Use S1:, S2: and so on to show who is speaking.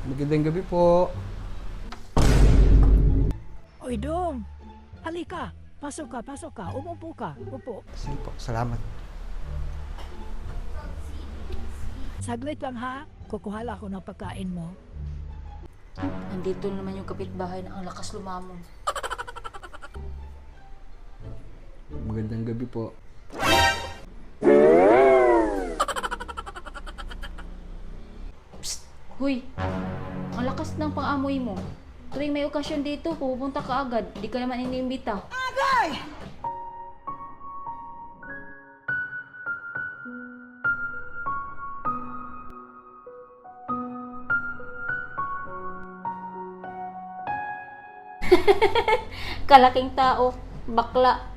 S1: Magandang gabi po.
S2: Oy, Dong. Halika. Pasok ka. Umupo ka. Upo.
S1: Sige po, salamat.
S2: Saglit lang ha. Kukuha lang ako ng pagkain mo.
S3: Andito naman yung kapitbahay na ang lakas lumamon.
S1: Magandang gabi po.
S3: Psst! Huy! Ang lakas ng pang-amoy mo. Tuwing may okasyon dito, pupunta ka agad. Di ka naman iniimbita. Kalaking tao, bakla.